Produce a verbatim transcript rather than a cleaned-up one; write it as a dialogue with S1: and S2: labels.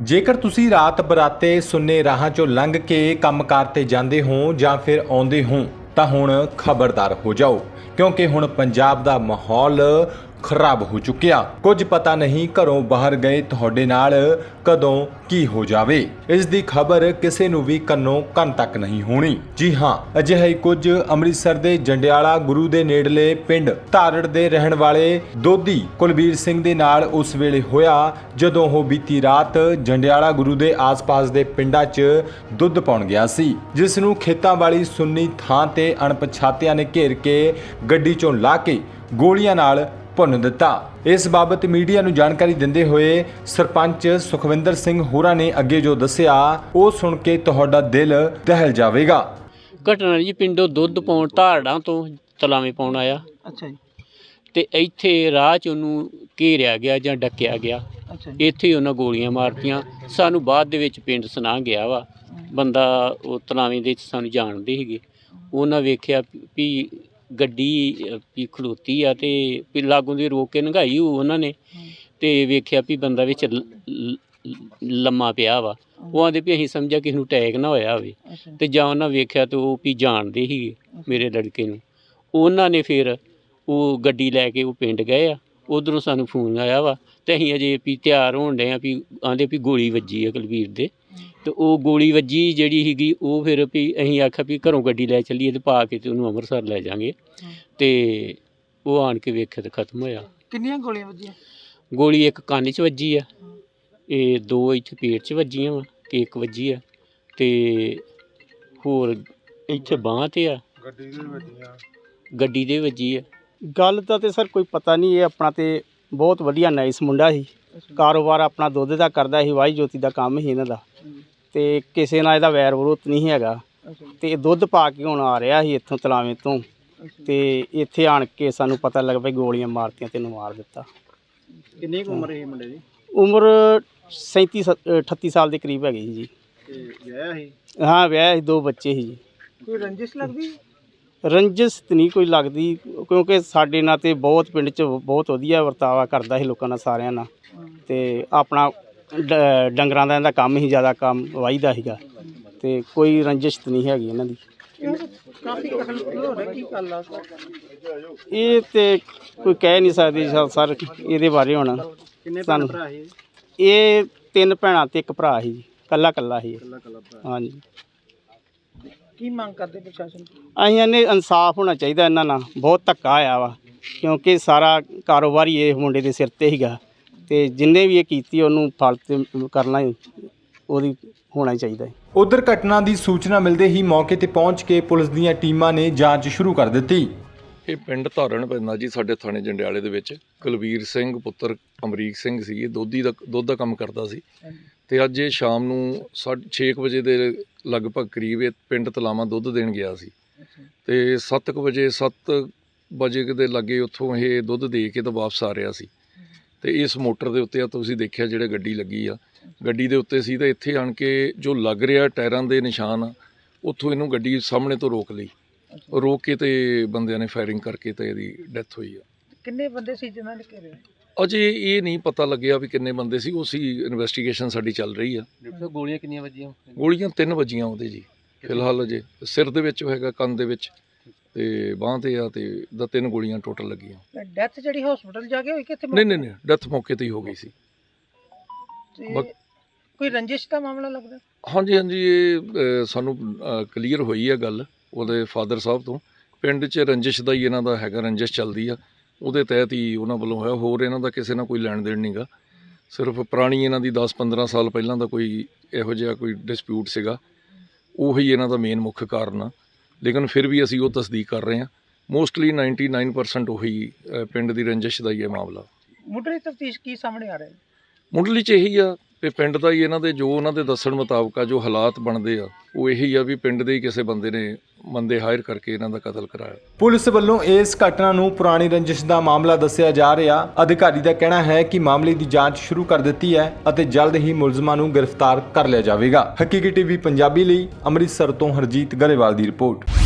S1: ਜੇਕਰ ਤੁਸੀਂ ਰਾਤ ਬਰਾਤੇ ਸੁੰਨੇ ਰਾਹਾਂ ਚੋਂ ਲੰਘ ਕੇ ਕੰਮਕਾਰ ਤੇ ਜਾਂਦੇ ਹੋ ਜਾਂ ਫਿਰ ਆਉਂਦੇ ਹੋ ਤਾਂ ਹੁਣ ਖਬਰਦਾਰ ਹੋ ਜਾਓ, ਕਿਉਂਕਿ ਹੁਣ ਪੰਜਾਬ ਦਾ ਮਾਹੌਲ ਖਰਾਬ ਹੋ ਚੁੱਕਿਆ। ਕੁਝ ਪਤਾ ਨਹੀਂ ਘਰੋਂ ਬਾਹਰ ਗਏ ਤੁਹਾਡੇ ਨਾਲ ਕਦੋਂ ਕੀ ਹੋ ਜਾਵੇ। ਇਸ ਦੀ ਖਬਰ ਕਿਸੇ ਨੂੰ ਵੀ ਕੰਨੋਂ ਕੰਨ ਤੱਕ ਨਹੀਂ ਹੋਣੀ। ਜੀ ਹਾਂ, ਅਜਿਹਾ ਹੀ ਕੁਝ ਅੰਮ੍ਰਿਤਸਰ ਦੇ ਜੰਡਿਆਲਾ ਗੁਰੂ ਦੇ ਨੇੜਲੇ ਪਿੰਡ ਧਾਰੜ ਦੇ ਰਹਿਣ ਵਾਲੇ ਦੋਦੀ ਕੁਲਬੀਰ ਸਿੰਘ ਦੇ ਨਾਲ ਉਸ ਵੇਲੇ ਹੋਇਆ ਜਦੋਂ ਉਹ ਬੀਤੀ ਰਾਤ ਜੰਡਿਆਲਾ ਗੁਰੂ ਦੇ ਆਸ-ਪਾਸ ਦੇ ਪਿੰਡਾਂ 'ਚ ਦੁੱਧ ਪਾਉਣ ਗਿਆ ਸੀ, ਜਿਸ ਨੂੰ ਖੇਤਾਂ ਵਾਲੀ ਸੁੰਨੀ ਥਾਂ ਤੇ ਅਣਪਛਾਤਿਆਂ ਨੇ ਘੇਰ ਕੇ ਗੱਡੀ 'ਚੋਂ ਲਾ ਕੇ ਗੋਲੀਆਂ ਨਾਲ ਭੁੰਨ ਦਿੱਤਾ। ਇਸ ਬਾਬਤ ਮੀਡੀਆ ਨੂੰ ਜਾਣਕਾਰੀ ਦਿੰਦੇ ਹੋਏ ਸਰਪੰਚ ਸੁਖਵਿੰਦਰ ਸਿੰਘ ਹੋਰਾਂ ਨੇ ਅੱਗੇ ਜੋ ਦੱਸਿਆ ਉਹ ਸੁਣ ਕੇ ਤੁਹਾਡਾ ਦਿਲ ਦਹਿਲ ਜਾਵੇਗਾ।
S2: ਘਟਨਾ ਜੀ ਪਿੰਡੋਂ ਦੁੱਧ ਪਾਉਣ ਧਾਰੜਾਂ ਤੋਂ ਤਲਾਵੇਂ ਪਾਉਣ ਆਇਆ। ਅੱਛਾ ਜੀ। ਤੇ ਇੱਥੇ ਰਾਹ 'ਚ ਉਹਨੂੰ ਘੇਰਿਆ ਗਿਆ ਜਾਂ ਡੱਕਿਆ ਗਿਆ। ਅੱਛਾ ਜੀ। ਇੱਥੇ ਹੀ ਉਹਨਾਂ ਗੋਲੀਆਂ ਮਾਰਤੀਆਂ। ਸਾਨੂੰ ਬਾਅਦ ਦੇ ਵਿੱਚ ਪਿੰਡ ਸੁਣਾ ਗਿਆ ਵਾ ਬੰਦਾ, ਉਹ ਤਲਾਵੇਂ ਦੇ ਸਾਨੂੰ ਜਾਣਦੇ ਸੀਗੇ। ਉਹਨਾਂ ਵੇਖਿਆ ਵੀ ਗੱਡੀ ਵੀ ਖਲੋਤੀ ਆ ਤੇ ਵੀ ਲਾਗੋਂ ਦੀ ਰੋਕ ਕੇ ਲੰਘਾਈ ਉਹਨਾਂ ਨੇ, ਤੇ ਵੇਖਿਆ ਵੀ ਬੰਦਾ ਵਿੱਚ ਲੰਮਾ ਪਿਆ ਵਾ। ਉਹ ਆਂਦੇ ਵੀ ਅਸੀਂ ਸਮਝਿਆ ਕਿਸੇ ਨੂੰ ਅਟੈਕ ਨਾ ਹੋਇਆ ਹੋਵੇ, ਤੇ ਜਾਂ ਉਹਨਾਂ ਵੇਖਿਆ ਤੇ ਉਹ ਵੀ ਜਾਣਦੇ ਸੀਗੇ ਮੇਰੇ ਲੜਕੇ ਨੂੰ। ਉਹਨਾਂ ਨੇ ਫਿਰ ਉਹ ਗੱਡੀ ਲੈ ਕੇ ਉਹ ਪਿੰਡ ਗਏ ਆ। ਉੱਧਰੋਂ ਸਾਨੂੰ ਫੋਨ ਆਇਆ ਵਾ ਤੇ ਅਸੀਂ ਅਜੇ ਵੀ ਤਿਆਰ ਹੋਣ ਡਏ ਆ ਵੀ ਆਂਦੇ ਵੀ ਗੋਲੀ ਵੱਜੀ ਆ ਕੁਲਵੀਰ ਦੇ। ਤੇ ਉਹ ਗੋਲੀ ਵੱਜੀ ਜਿਹੜੀ ਸੀਗੀ ਉਹ ਫਿਰ ਵੀ ਅਸੀਂ ਆਖਿਆ ਵੀ ਘਰੋਂ ਗੱਡੀ ਲੈ ਚੱਲੀਏ ਤੇ ਪਾ ਕੇ ਤੇ ਉਹਨੂੰ ਅੰਮ੍ਰਿਤਸਰ ਲੈ ਜਾਵਾਂਗੇ। ਤੇ ਉਹ ਆਣ ਕੇ ਵੇਖਿਆ ਤੇ ਖਤਮ ਹੋਇਆ।
S3: ਕਿੰਨੀਆਂ ਗੋਲੀਆਂ ਵੱਜੀਆਂ? ਗੋਲੀ
S2: ਇੱਕ ਕੰਨ 'ਚ ਵੱਜੀ ਆ, ਇਹ ਦੋ ਇੱਥੇ ਪੇਟ 'ਚ ਵੱਜੀਆਂ ਵਾ ਤੇ ਇੱਕ ਵੱਜੀ ਆ, ਤੇ ਹੋਰ ਇੱਥੇ ਬਾਂਹ 'ਤੇ ਆ। ਗੱਡੀ ਦੇ ਵੱਜੀਆਂ? ਗੱਡੀ ਦੇ ਵੱਜੀ ਆ।
S3: ਗੱਲ ਦਾ ਤੇ ਸਰ ਕੋਈ ਪਤਾ ਨਹੀਂ। ਇਹ ਆਪਣਾ ਤੇ ਬਹੁਤ ਵਧੀਆ ਨਾਈਸ ਮੁੰਡਾ ਸੀ, ਕਾਰੋਬਾਰ ਆਪਣਾ ਦੁੱਧ ਦਾ ਕਰਦਾ ਸੀ, ਵਾਹੀ ਜੋਤੀ ਦਾ ਕੰਮ ਸੀ ਇਹਨਾਂ ਦਾ, ਤੇ ਕਿਸੇ ਨਾਲ ਇਹਦਾ ਵੈਰ ਵਿਰੋਧ ਨਹੀਂ ਹੈਗਾ। ਤੇ ਦੁੱਧ ਪਾ ਕੇ ਹੁਣ ਆ ਰਿਹਾ ਸੀ ਇੱਥੋਂ ਤਲਾਵੇਂ ਤੋਂ, ਤੇ ਇੱਥੇ ਆਣ ਕੇ ਸਾਨੂੰ ਪਤਾ ਲੱਗ ਪਿਆ ਗੋਲੀਆਂ ਮਾਰਤੀਆਂ ਤੇ ਇਹਨੂੰ ਮਾਰ ਦਿੱਤਾ।
S4: ਕਿੰਨੀ ਕੁ ਉਮਰ ਹੈ ਮੁੰਡੇ ਦੀ?
S3: ਉਮਰ ਸੈਂਤੀ ਅਠੱਤੀ ਸਾਲ ਦੇ ਕਰੀਬ ਹੈਗੀ ਸੀ ਜੀ।
S4: ਤੇ ਵਿਆਹਿਆ ਸੀ?
S3: ਹਾਂ ਵਿਆਹਿਆ ਸੀ, ਦੋ ਬੱਚੇ ਸੀ ਜੀ।
S4: ਕੋਈ ਰੰਜਿਸ਼ ਲੱਗਦੀ?
S3: ਰੰਜਿਸ਼ ਤਾਂ ਨਹੀਂ ਕੋਈ ਲੱਗਦੀ, ਕਿਉਂਕਿ ਸਾਡੇ ਨਾਲ ਤੇ ਬਹੁਤ ਪਿੰਡ 'ਚ ਬਹੁਤ ਵਧੀਆ ਵਰਤਾਵਾ ਕਰਦਾ ਸੀ ਲੋਕਾਂ ਨਾਲ, ਸਾਰਿਆਂ ਨਾਲ। ਤੇ ਆਪਣਾ ਡ ਡੰਗਰਾਂ ਦਾ ਇਹਦਾ ਕੰਮ ਹੀ ਜ਼ਿਆਦਾ ਕੰਮ ਵਾਹੀ ਦਾ ਸੀਗਾ, ਤੇ ਕੋਈ ਰੰਜਿਸ਼ ਤਾਂ ਨਹੀਂ ਹੈਗੀ ਇਹਨਾਂ ਦੀ। ਇਹ ਤੇ ਕੋਈ ਕਹਿ ਨਹੀਂ ਸਕਦੀ ਸਰ ਇਹਦੇ ਬਾਰੇ ਹੁਣ। ਸਾਨੂੰ ਇਹ ਤਿੰਨ ਭੈਣਾਂ ਤੇ ਇੱਕ ਭਰਾ ਸੀ ਜੀ, ਕੱਲਾ ਕੱਲਾ ਸੀ। ਹਾਂਜੀ।
S4: ਕੀ ਮੰਗ ਕਰਦੇ ਪ੍ਰਸ਼ਾਸਨ?
S3: ਅਸੀਂ ਇਹਨੇ ਇਨਸਾਫ ਹੋਣਾ ਚਾਹੀਦਾ ਇਹਨਾਂ ਨਾਲ। ਬਹੁਤ ਧੱਕਾ ਆਇਆ ਵਾ, ਕਿਉਂਕਿ ਸਾਰਾ ਕਾਰੋਬਾਰ ਹੀ ਇਹ ਮੁੰਡੇ ਦੇ ਸਿਰ 'ਤੇ ਸੀਗਾ, ਤੇ ਜਿੰਨੇ ਵੀ ਇਹ ਕੀਤੀ ਉਹਨੂੰ ਫਲ ਤੇ ਕਰਨਾ ਉਹਦੀ ਹੋਣਾ ਹੀ ਚਾਹੀਦਾ ਹੈ।
S1: ਉਧਰ ਘਟਨਾ ਦੀ ਸੂਚਨਾ ਮਿਲਦੇ ਹੀ ਮੌਕੇ ਤੇ ਪਹੁੰਚ ਕੇ ਪੁਲਿਸ ਦੀਆਂ ਟੀਮਾਂ ਨੇ ਜਾਂਚ ਸ਼ੁਰੂ ਕਰ ਦਿੱਤੀ।
S5: ਇਹ ਪਿੰਡ ਧਾਰਣ ਪੈਂਦਾ ਜੀ ਸਾਡੇ ਥਾਣੇ ਜੰਡਿਆਲੇ ਦੇ ਵਿੱਚ। ਕੁਲਵੀਰ ਸਿੰਘ ਪੁੱਤਰ ਅਮਰੀਕ ਸਿੰਘ ਸੀ, ਇਹ ਦੋਧੀ ਦਾ ਦੁੱਧ ਦਾ ਕੰਮ ਕਰਦਾ ਸੀ। ਤੇ ਅੱਜ ਇਹ ਸ਼ਾਮ ਨੂੰ ਸਾਢੇ ਛੇ ਕੁ ਵਜੇ ਦੇ ਲਗਭਗ ਕਰੀਬ ਇਹ ਪਿੰਡ ਤਲਾਵਾਂ ਦੁੱਧ ਦੇਣ ਗਿਆ ਸੀ, ਤੇ ਸੱਤ ਕੁ ਵਜੇ ਸੱਤ ਵਜੇ ਦੇ ਲਾਗੇ ਉੱਥੋਂ ਇਹ ਦੁੱਧ ਦੇ ਕੇ ਤਾਂ ਵਾਪਸ ਆ ਰਿਹਾ ਸੀ। ਤੇ ਇਸ ਮੋਟਰ ਦੇ ਉੱਤੇ ਆ ਤੁਸੀਂ ਦੇਖਿਆ ਜਿਹੜੇ ਗੱਡੀ ਲੱਗੀ ਆ, ਗੱਡੀ ਦੇ ਉੱਤੇ ਸੀ, ਤਾਂ ਇੱਥੇ ਆਣ ਕੇ ਜੋ ਲੱਗ ਰਿਹਾ ਟਾਇਰਾਂ ਦੇ ਨਿਸ਼ਾਨ ਆ, ਉੱਥੋਂ ਇਹਨੂੰ ਗੱਡੀ ਸਾਹਮਣੇ ਤੋਂ ਰੋਕ ਲਈ। ਰੋਕ ਕੇ ਤੇ ਬੰਦਿਆਂ ਨੇ ਫਾਇਰਿੰਗ ਕਰਕੇ ਤੇ ਇਹਦੀ ਡੈਥ ਹੋਈ ਆ।
S4: ਕਿੰਨੇ ਬੰਦੇ ਸੀ ਜਿਨ੍ਹਾਂ ਨੇ ਘੇਰਿਆ?
S5: ਅਜੇ ਇਹ ਨਹੀਂ ਪਤਾ ਲੱਗਿਆ ਵੀ ਕਿੰਨੇ ਬੰਦੇ ਸੀ, ਉਸੀ ਇਨਵੈਸਟੀਗੇਸ਼ਨ ਸਾਡੀ ਚੱਲ ਰਹੀ ਆ।
S2: ਗੋਲੀਆਂ ਕਿੰਨੀਆਂ ਵੱਜੀਆਂ?
S5: ਗੋਲੀਆਂ ਤਿੰਨ ਵੱਜੀਆਂ ਉਹਦੇ ਜੀ ਫਿਲਹਾਲ। ਅਜੇ ਸਿਰ ਦੇ ਵਿੱਚ ਹੈਗਾ, ਕੰਨ ਦੇ ਵਿੱਚ ਤੇ ਬਾਂਹ ਤੇ ਆ, ਤੇ ਦਾ ਤਿੰਨ ਗੋਲੀਆਂ ਟੋਟਲ ਲੱਗੀਆਂ।
S4: ਡੈਥ ਜਿਹੜੀ ਹਸਪੀਟਲ ਜਾ ਕੇ ਹੋਈ ਕਿੱਥੇ?
S5: ਨਹੀਂ ਨਹੀਂ ਨਹੀਂ, ਡੈਥ ਮੌਕੇ ਤੇ ਹੀ ਹੋ ਗਈ ਸੀ।
S4: ਕੋਈ ਰੰਜਿਸ਼ ਦਾ ਮਾਮਲਾ ਲੱਗਦਾ?
S5: ਹਾਂਜੀ ਹਾਂਜੀ, ਇਹ ਸਾਨੂੰ ਕਲੀਅਰ ਹੋਈ ਆ ਗੱਲ ਉਹਦੇ ਫਾਦਰ ਸਾਹਿਬ ਤੋਂ। ਪਿੰਡ 'ਚ ਰੰਜਿਸ਼ ਦਾ ਹੀ ਇਹਨਾਂ ਦਾ ਹੈਗਾ, ਰੰਜਿਸ਼ ਚੱਲਦੀ ਆ, ਉਹਦੇ ਤਹਿਤ ਹੀ ਉਹਨਾਂ ਵੱਲੋਂ ਹੋਇਆ। ਹੋਰ ਇਹਨਾਂ ਦਾ ਕਿਸੇ ਨਾਲ ਕੋਈ ਲੈਣ ਦੇਣ ਨਹੀਂ ਗਾ, ਸਿਰਫ ਪੁਰਾਣੀ ਇਹਨਾਂ ਦੀ ਦਸ ਪੰਦਰਾਂ ਸਾਲ ਪਹਿਲਾਂ ਦਾ ਕੋਈ ਇਹੋ ਜਿਹਾ ਕੋਈ ਡਿਸਪਿਊਟ ਸੀਗਾ, ਉਹੀ ਇਹਨਾਂ ਦਾ ਮੇਨ ਮੁੱਖ ਕਾਰਨ ਆ। ਲੇਕਿਨ ਫਿਰ ਵੀ ਅਸੀਂ ਉਹ ਤਸਦੀਕ ਕਰ ਰਹੇ ਹਾਂ। ਮੋਸਟਲੀ ਨਾਈਨਟੀ ਨਾਈਨ ਪਰਸੈਂਟ ਉਹੀ ਪਿੰਡ ਦੀ ਰੰਜਿਸ਼ ਦਾ ਹੀ ਇਹ ਮਾਮਲਾ।
S4: ਮੁੱਢਲੀ ਤਫਤੀਸ਼ ਕੀ ਸਾਹਮਣੇ ਆ ਰਿਹਾ?
S5: ਮੁੱਢਲੀ 'ਚ ਇਹੀ ਆ ਵੀ ਪਿੰਡ ਦਾ ਹੀ ਇਹਨਾਂ ਦੇ ਜੋ ਉਹਨਾਂ ਦੇ ਦੱਸਣ ਮੁਤਾਬਕ ਆ, ਜੋ ਹਾਲਾਤ ਬਣਦੇ ਆ, ਉਹ ਇਹੀ ਆ ਵੀ ਪਿੰਡ ਦੇ ਹੀ ਕਿਸੇ ਬੰਦੇ ਨੇ ਬੰਦੇ ਹਾਇਰ ਕਰਕੇ ਇਹਨਾਂ ਦਾ ਕਤਲ ਕਰਾਇਆ।
S1: ਪੁਲਿਸ ਵੱਲੋਂ ਇਸ ਘਟਨਾ ਨੂੰ ਪੁਰਾਣੀ ਰੰਜਿਸ਼ ਦਾ ਮਾਮਲਾ ਦੱਸਿਆ ਜਾ ਰਿਹਾ। ਅਧਿਕਾਰੀ ਦਾ ਕਹਿਣਾ ਹੈ ਕਿ ਮਾਮਲੇ ਦੀ ਜਾਂਚ ਸ਼ੁਰੂ ਕਰ ਦਿੱਤੀ ਹੈ ਅਤੇ ਜਲਦ ਹੀ ਮੁਲਜ਼ਮਾਂ ਨੂੰ ਗ੍ਰਿਫਤਾਰ ਕਰ ਲਿਆ ਜਾਵੇਗਾ। ਹਕੀਕੀ ਟੀਵੀ ਪੰਜਾਬੀ ਲਈ ਅੰਮ੍ਰਿਤਸਰ ਤੋਂ ਹਰਜੀਤ ਗਰੇਵਾਲ ਦੀ ਰਿਪੋਰਟ।